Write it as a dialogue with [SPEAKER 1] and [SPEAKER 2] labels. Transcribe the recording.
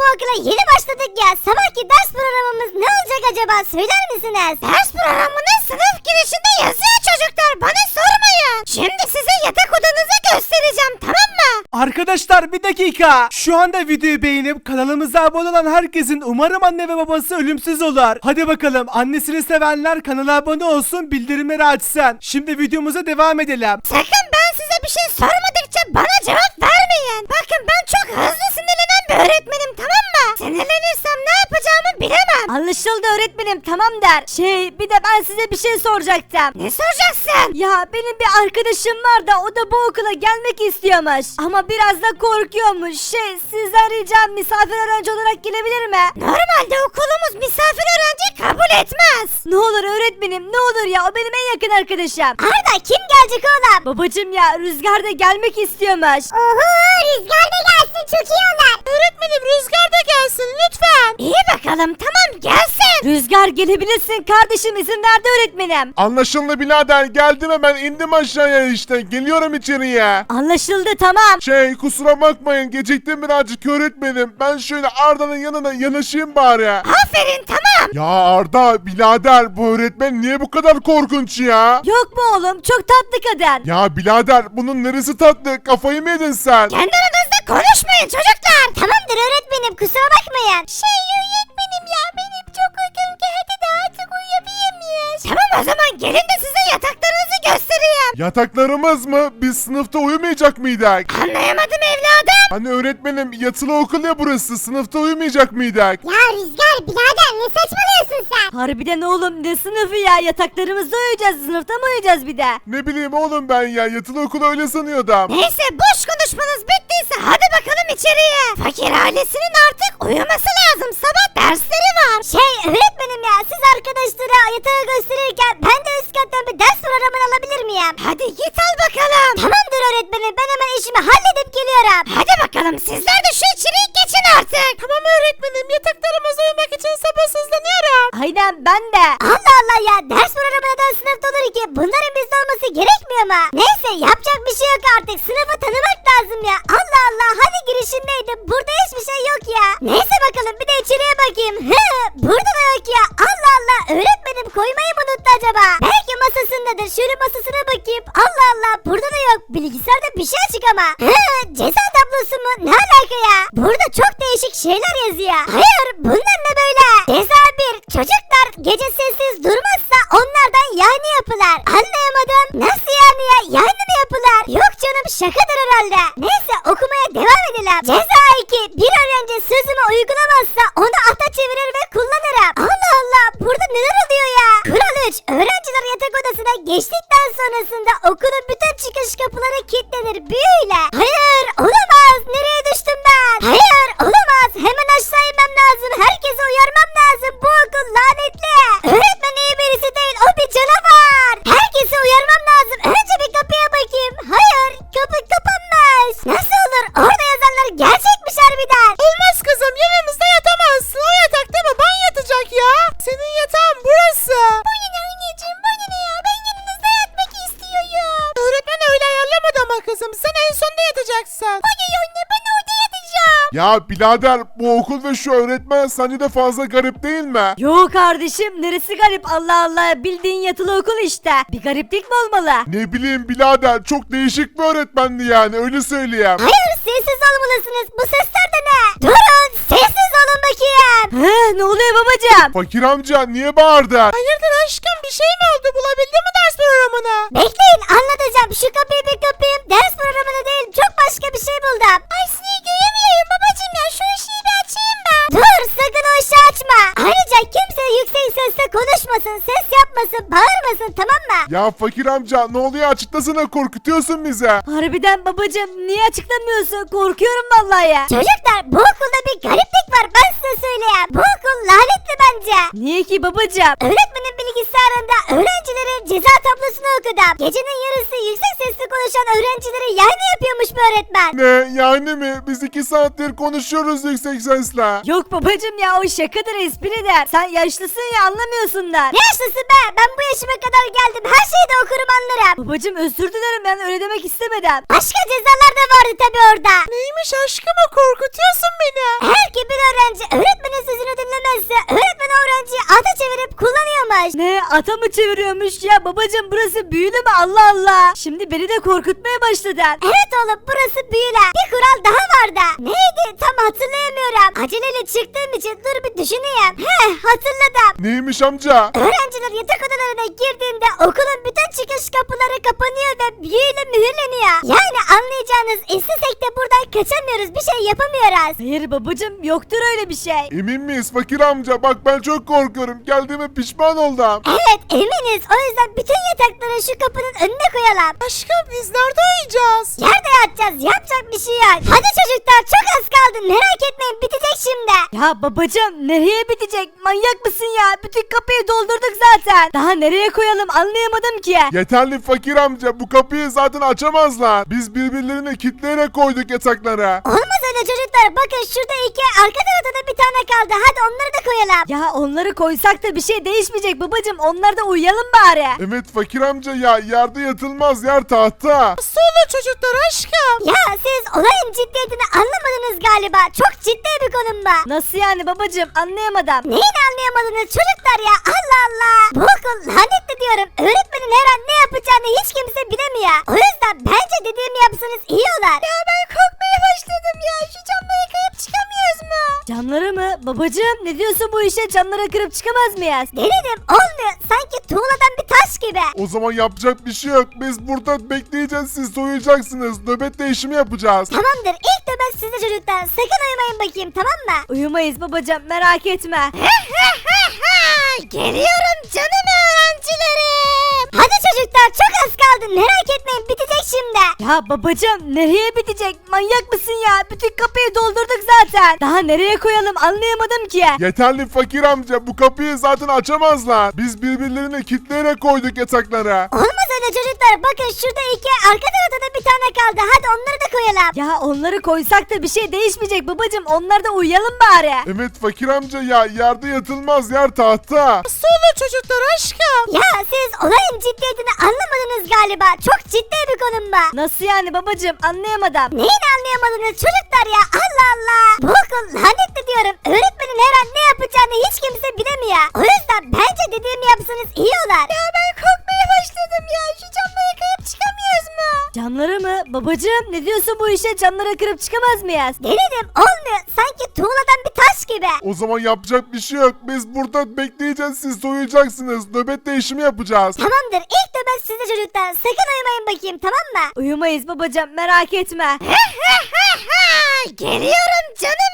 [SPEAKER 1] okula yeni başladık ya. Sabahki ders programımız ne olacak acaba? Söyler misiniz? Ders programının sınıf girişinde yazıyor çocuklar. Bana sormayın. Şimdi size yatak odanızı göstereceğim, tamam mı?
[SPEAKER 2] Arkadaşlar bir dakika. Şu anda videoyu beğenip kanalımıza abone olan herkesin umarım anne ve babası ölümsüz olur. Hadi bakalım, annesini sevenler kanala abone olsun, bildirimleri açsın. Şimdi videomuza devam edelim.
[SPEAKER 1] Sakın ben size bir şey sormadıkça bana cevap vermeyin. Bakın ben çok hızlı sinirlenen bir öğretmenim, tamam mı? Sinirlenirsem ne yapacağımı bilemem.
[SPEAKER 3] Anlaşıldı öğretmenim, tamam der. Bir de ben size bir şey soracaktım.
[SPEAKER 1] Ne soracaksın?
[SPEAKER 3] Ya benim bir arkadaşım var da o da bu okula gelmek istiyormuş. Ama biraz da korkuyormuş. Sizden ricam misafir öğrenci olarak gelebilir mi?
[SPEAKER 1] Normalde okulumuz misafir öğrenci kabul etmez.
[SPEAKER 3] Ne olur öğretmenim, ne olur ya, o benim en yakın arkadaşım.
[SPEAKER 1] Arda kim gelecek oğlum?
[SPEAKER 3] Babacım ya, Rüzgar da gelmek istiyormuş.
[SPEAKER 1] Oho, Rüzgar da gelsin, çok iyi olur. Öğretmenim Rüzgar da gelsin lütfen. İyi bakalım, tamam gelsin.
[SPEAKER 3] Rüzgar gelebilirsin kardeşim, izin verdi öğretmenim.
[SPEAKER 4] Anlaşıldı birader, geldim hemen, indim aşağıya işte, geliyorum içeriye.
[SPEAKER 3] Anlaşıldı, tamam.
[SPEAKER 4] Kusura bakmayın, geciktim birazcık öğretmenim. Ben şöyle Arda'nın yanına yanaşayım bari.
[SPEAKER 1] Aferin, tamam.
[SPEAKER 4] Ya Arda birader, bu öğretmen niye bu kadar korkunç ya?
[SPEAKER 3] Yok mu oğlum, çok tatlı kadın.
[SPEAKER 4] Ya birader, bunun neresi tatlı, kafayı mı yedin sen?
[SPEAKER 1] Kendi aranızda konuşmayın çocuklar. Tamamdır öğretmenim, kusura bakmayın. Öğretmenim ya, benim çok uykum geldi de artık uyuyabilir miyiz? Tamam, o zaman gelin de size yataklarınızı göstereyim.
[SPEAKER 4] Yataklarımız mı? Biz sınıfta uyumayacak mıydık?
[SPEAKER 1] Anlayamadım evladım.
[SPEAKER 4] Hani öğretmenim, yatılı okul ya burası, sınıfta uyumayacak mıydık?
[SPEAKER 1] Ya Rüzgar birader, ne saçmalıyorsun sen?
[SPEAKER 3] Harbiden oğlum, ne sınıfı ya, yataklarımızda uyuyacağız, sınıfta mı uyuyacağız bir de?
[SPEAKER 4] Ne bileyim oğlum ben ya, yatılı okulu öyle sanıyordum.
[SPEAKER 1] Neyse, boş konuşmanız bittiyse hadi bakalım içeriye. Fakir ailesinin artık uyuması lazım, sabah dersleri var. Öğretmenim ya, siz arkadaşlara yatağı gösterirken ben de üst kattan bir ders programını alabilir miyim? Hadi git al bakalım. Tamamdır öğretmenim, ben hemen işimi halledip geliyorum. Hadi bakalım, sizler de şu içeriği geçin artık. Tamam öğretmenim, yataklarımıza uyumak için sabırsızlanıyorum.
[SPEAKER 3] Aynen, ben de.
[SPEAKER 1] Allah Allah ya, ders programı neden sınıfta olur ki? Bunların bizde olması gerekmiyor mu? Neyse, yapacak bir şey yok artık, sınıfı tanımak lazım ya. Allah Allah, hadi girişindeydi, burada hiçbir şey yok ya. Neyse bakalım, bir de içeriye bakayım. Burada da yok ya. Allah Allah, öğretmenim koymayı mı unuttu acaba? Belki masasındadır, şöyle masasına bakayım. Allah Allah, burada da yok, bilgisayarda bir şey açık ama. Ceza tablosu mu? Ne alaka ya? Burada çok değişik şeyler yazıyor. Hayır, bunlar ne böyle? Ceza 1, çocuklar gece sessiz durmazsa onlardan yani yapılar. Anlayamadım. Nasıl yani ya? Yani mi yapılar? Yok canım, şakadır herhalde. Neyse, okumaya devam edelim. Ceza 2, bir öğrenci sözümü uygulamazsa onu ata çevirir ve kullanırım. Allah Allah, burada neler oluyor ya? Kural 3, öğrenciler yatak odasına geçtikten sonrasında okulun bütün çıkış kapıları kilitlenir büyüyle. Hayır, olamaz. Nereye düştüm ben? Hayır, olamaz. Hemen aşağı inmem lazım. Herkese uyarmam lazım. Bu okul lanetli. Öğretmen iyi birisi değil. O bir canavar. Herkese uyarmam lazım. Önce bir kapıya bakayım. Hayır, kapı kapanmış. Nasıl olur? Orada yazanlar gerçekmiş harbiden. Olmaz kızım. Yanımızda yatamazsın. O yatakta baban yatacak ya. Senin yatağın burası. Bana ne anneciğim? Bana ne ya? Ben yanınızda yatmak istiyorum. Öğretmen öyle ayarlamadı ama kızım. Sen en sonda yatacaksın. Hayır anne, ben orada yatacağım.
[SPEAKER 4] Ya birader, bu okul ve şu öğretmen sence de fazla garip değil mi?
[SPEAKER 3] Yo kardeşim, neresi garip, Allah Allah, bildiğin yatılı okul işte. Bir gariplik mi olmalı?
[SPEAKER 4] Ne bileyim birader, çok değişik bir öğretmendi yani, öyle söyleyeyim.
[SPEAKER 1] Hayır, sessiz olmalısınız. Bu sesler de ne? Durun, sessiz olun bakayım.
[SPEAKER 3] Ne oluyor babacığım?
[SPEAKER 4] Fakir amca niye bağırdın?
[SPEAKER 1] Hayırdır aşkım, bir şey mi oldu? Bulabildin mi ders programını? Bekleyin, anlatacağım. Şu kapıyı bir kapayım. Ders programını değil, çok başka bir şey buldum. Ay seni göremiyorum babacığım ya. Şu ışığı bir açayım ben. Dur, sakın o ışığı açma. Ayrıca kimse yüksek sesle konuşmasın, ses yapmasın, bağırmasın, tamam mı?
[SPEAKER 4] Ya fakir amca ne oluyor, açıklasana, korkutuyorsun bizi.
[SPEAKER 3] Harbiden babacığım, niye açıklamıyorsun? Korkuyorum vallahi ya.
[SPEAKER 1] Çocuklar, bu okulda bir gariplik var, ben size söyleyeyim. Bu okul lanetli bence.
[SPEAKER 3] Niye ki babacığım?
[SPEAKER 1] Öğretmenin bilgisayarında öğrencilerin ceza tablosunu okudum. Gecenin yarısı yüksek sesle konuşan öğrencileri yani yapıyormuş bu öğretmen.
[SPEAKER 4] Ne yani mi? Biz 2 saattir konuşuyoruz yüksek sesle.
[SPEAKER 3] Yok babacığım ya, o şakadır, espridir. Sen yaşlısın ya, anlamıyorsunlar.
[SPEAKER 1] Ne yaşlısı be? Ben bu yaşıma kadar geldim. Her şeyi de okurum, anlarım.
[SPEAKER 3] Babacığım özür dilerim, ben öyle demek istemedim.
[SPEAKER 1] Başka cezalar da vardı tabi orada.
[SPEAKER 3] Neymiş aşkım, o korkutuyorsun beni.
[SPEAKER 1] Eğer ki bir öğrenci
[SPEAKER 3] Ne ata mı çeviriyormuş ya babacım burası büyülü mü Allah Allah. Şimdi beni de korkutmaya başladın.
[SPEAKER 1] Evet oğlum burası büyüle. Bir kural daha vardı. Neydi tam hatırlayamıyorum. Aceleyle çıktığım için dur bir düşüneyim. Hatırladım.
[SPEAKER 4] Neymiş amca?
[SPEAKER 1] Öğrenciler yatak odalarına girdiğinde okulun bütün çıkış kapıları kapanıyor ve büyüyle mühürleniyor. Yani anlayacağınız istesek de buradan kaçamıyoruz, bir şey yapamıyoruz.
[SPEAKER 3] Hayır babacım yoktur öyle bir şey.
[SPEAKER 4] Emin miyiz fakir amca? Bak ben çok korkuyorum. Geldiğime pişman oldum.
[SPEAKER 1] Evet eminiz, o yüzden bütün yatakları şu kapının önüne koyalım.
[SPEAKER 2] Aşkım biz nerede uyuyacağız?
[SPEAKER 1] Yerde yatacağız, yapacak bir şey yok. Hadi çocuklar çok az kaldı, merak etmeyin bitecek şimdi.
[SPEAKER 3] Ya babacım nereye bitecek? Manyak mısın ya? Bütün kapıyı doldurduk zaten. Daha nereye koyalım anlayamadım ki.
[SPEAKER 4] Yeterli fakir amca. Bu kapıyı zaten açamazlar. Biz birbirlerini kitleyerek koyduk yataklara.
[SPEAKER 1] Olmaz öyle çocuklar, bakın şurada iki, arka tarafta da bir tane kaldı. Hadi onları da koyalım.
[SPEAKER 3] Ya onları koysak da bir şey değişmeyecek babacım. Onlarda uyuyalım bari.
[SPEAKER 4] Evet fakir amca ya. Yerde yatılmaz, yer tahta.
[SPEAKER 2] Nasıl olur çocuklar aşkım?
[SPEAKER 1] Ya siz olayın ciddiyetini anlamadınız galiba. Çok ciddi bir konu bu.
[SPEAKER 3] Nasıl yani babacım anlayamadım.
[SPEAKER 1] Neyini anlayamadınız çocuklar ya, Allah Allah. Bu okul lanetli diyorum. Öğretmenin her an ne yapacağını hiç kimse bilemiyor. O yüzden bence dediğimi yapsanız iyi olur. Ya ben korkmaya başladım ya. Şu camları kayıp çıkamıyoruz mu?
[SPEAKER 3] Camları mı? Babacım ne diyorsun bu işe? Camları kırıp çıkamaz mıyız?
[SPEAKER 1] Denedim olmuyor. Sanki tuğladan bir taş gibi.
[SPEAKER 4] O zaman yapacak bir şey yok. Biz burada bekleyeceğiz. Siz soyuyacaksınız. Nöbet değişimi yapacağız.
[SPEAKER 1] Tamamdır, ilk nöbet sizde çocuklar. Sakın uyumayın bakayım, tamam mı?
[SPEAKER 3] Uyumayız babacım merak etme.
[SPEAKER 1] Geliyorum canım öğrencilerim. Hadi çocuklar çok az kaldı, merak etmeyin bitecek şimdi.
[SPEAKER 3] Ya babacım nereye bitecek? Manyak mısın ya? Bütün kapıyı doldurduk zaten. Daha nereye koyalım anlayamadım ki.
[SPEAKER 4] Yeterli fakir amca. Bu kapıyı zaten açamazlar. Biz birbirlerini kitleyerek koyduk yataklara.
[SPEAKER 1] Olmaz öyle çocuklar, bakın şurada iki, arka tarafta da bir tane kaldı. Hadi onları da koyalım.
[SPEAKER 3] Ya onları koysak da bir şey değişmeyecek babacım. Onlarda uyuyalım bari.
[SPEAKER 4] Evet fakir amca ya. Yerde yatılmaz, yer tahta.
[SPEAKER 2] Nasıl olur çocuklar aşkım?
[SPEAKER 1] Ya siz olayın ciddiyetini anlamadınız galiba. Çok ciddi bir konu bu.
[SPEAKER 3] Nasıl yani babacım anlayamadım.
[SPEAKER 1] Neyini anlayamadınız çocuklar ya, Allah Allah. Bu okul lanetli diyorum. Öğretmenin her an ne yapacağını hiç kimse bilemiyor. O yüzden bence dediğimi yapsanız iyi olur. Ya ben korkmaya başladım ya. Şu camları kayıp çıkamıyoruz mu?
[SPEAKER 3] Camları mı? Babacım ne diyorsun bu işe? Camları kırıp çıkamaz mıyız?
[SPEAKER 1] Denedim olmuyor. Sanki tuğladan bir taş gibi.
[SPEAKER 4] O zaman yapacak bir şey yok. Biz burada bekleyeceğiz. Siz soyuyacaksınız. Nöbet değişimi yapacağız.
[SPEAKER 1] Tamamdır, ilk nöbet sizde çocuklar. Sakın uyumayın bakayım, tamam mı?
[SPEAKER 3] Uyumayız babacım merak etme.
[SPEAKER 1] Geliyorum canım